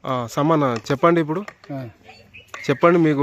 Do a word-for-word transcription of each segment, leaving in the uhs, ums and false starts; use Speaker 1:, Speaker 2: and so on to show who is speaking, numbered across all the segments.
Speaker 1: సమాన చెప్పండి ఇప్పుడు చెప్పండి మీకు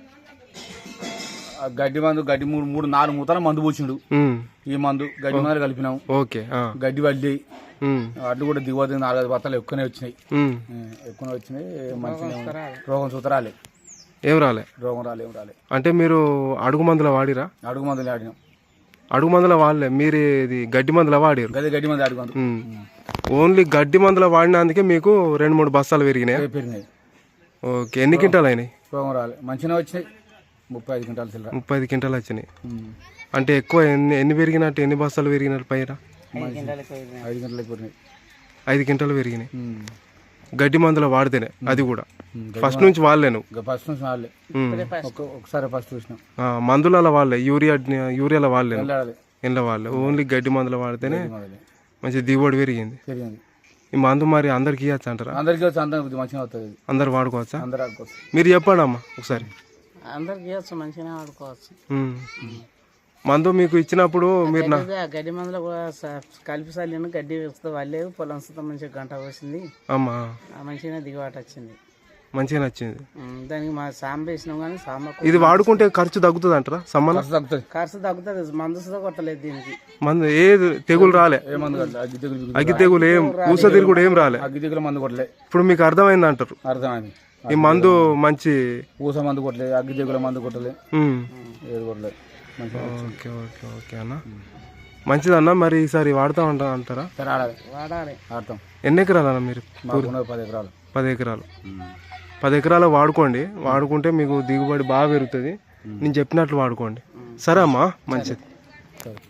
Speaker 2: గడ్డి మందు గడ్డి మూడు మూడు నాలుగు మూతల మందు పూసిండు. ఈ మందు గడ్డి మందులు కలిపినాం.
Speaker 1: ఓకే
Speaker 2: గడ్డి వడ్డీ అడ్డు కూడా దిగువది నాలుగైదు బత్తాలు ఎక్కువనే వచ్చినాయి. ఎక్కువనే వచ్చినాయి. మంచిగా రోగం సూత్రాలే
Speaker 1: ఏం రాలే
Speaker 2: రోగం రాలే ఏం రాలే.
Speaker 1: అంటే మీరు అడుగు మందుల వాడిరా?
Speaker 2: అడుగు మందులు ఆడినాం.
Speaker 1: అడుగు మందుల వాడలే, మీరు ఇది గడ్డి మందుల వాడారు?
Speaker 2: గది గడ్డి మంది అడుగు మందు.
Speaker 1: ఓన్లీ గడ్డి మందుల వాడినందుకే మీకు రెండు మూడు బస్తాలు పెరిగినాయి.
Speaker 2: పెరిగినాయి.
Speaker 1: ఓకే, ఎన్ని క్వింటాలు అయినాయి?
Speaker 2: రోగం రాలే, మంచిగా వచ్చినాయి. ముప్పై ఐదు క్వింటాలు చిల్లర.
Speaker 1: ముప్పై ఐదు క్వింటాలు వచ్చినాయి. అంటే ఎక్కువ ఎన్ని ఎన్ని పెరిగినట్టు, ఎన్ని బస్తాలు పెరిగినట్టు పైన?
Speaker 2: ఐదు గంటలకు పెరిగినాయి.
Speaker 1: ఐదు క్వింటాలు పెరిగినాయి గడ్డి మందుల వాడితేనే. అది కూడా ఫస్ట్ నుంచి వాళ్ళేను?
Speaker 2: ఫస్ట్ నుంచి వాళ్ళే. ఒకసారి ఫస్ట్ చూసినాం.
Speaker 1: మందుల వాళ్ళే, యూరియా యూరియాల వాళ్ళే, ఇండ్ల వాళ్ళే. ఓన్లీ గడ్డి మందుల వాడితేనే మంచి దిగుబడి పెరిగింది. ఈ మందు మరి అందరికి ఇవ్వచ్చు అంటారా?
Speaker 2: అందరికి మంచిగా అవుతుంది.
Speaker 1: అందరు వాడుకోవచ్చా?
Speaker 2: అందరు వాడుకోవచ్చు.
Speaker 1: మీరు చెప్పండి అమ్మా ఒకసారి.
Speaker 3: అందరికి ఇవ్వచ్చు, మంచిగానే వాడుకోవచ్చు.
Speaker 1: మందు మీకు ఇచ్చినప్పుడు మీరు
Speaker 3: గడ్డి మందులో కూడా కలిపి చల్లిన గడ్డి వేస్తే వాళ్ళే పొలం సుతం మంచిగా గంట వచ్చింది.
Speaker 1: అమ్మా
Speaker 3: మంచిగానే దిగుబాటు వచ్చింది.
Speaker 1: మంచిగా నచ్చింది.
Speaker 3: దానికి మా సాంబ వేసినాం కానీ సాంబ
Speaker 1: ఇది వాడుకుంటే ఖర్చు తగ్గుతుంది అంటారా? సమ్మన
Speaker 3: ఖర్చు తగ్గుతుంది. మందు సుతా కొట్టలేదు దీనికి.
Speaker 1: మందు ఏ తెగులు రాలే? అగ్గి తెగులు ఏం, ఊస తిరుగుడు ఏం రాలే?
Speaker 2: అగ్గి తెగులు మందు కొట్టలే.
Speaker 1: ఇప్పుడు మీకు అర్థమైంది అంటారు?
Speaker 2: అర్థమైంది.
Speaker 1: ఈ మందు మంచి
Speaker 2: ఊస మందు కొట్టలే, అగ్గి తెగుల మందు కొట్టలే, ఏది కొట్టలే.
Speaker 1: ఓకే ఓకే ఓకే అన్న, మంచిదన్న. మరి ఈసారి వాడుతూ ఉంటా అంటారా?
Speaker 3: వాడాలి.
Speaker 2: వాడతాం.
Speaker 1: ఎన్ని ఎకరాలు అన్న మీరు?
Speaker 2: పది ఎకరాలు.
Speaker 1: పది ఎకరాలు పది ఎకరాలు వాడుకోండి. వాడుకుంటే మీకు దిగుబడి బాగా పెరుగుతుంది. నేను చెప్పినట్లు వాడుకోండి. సరే అమ్మా, మంచిది.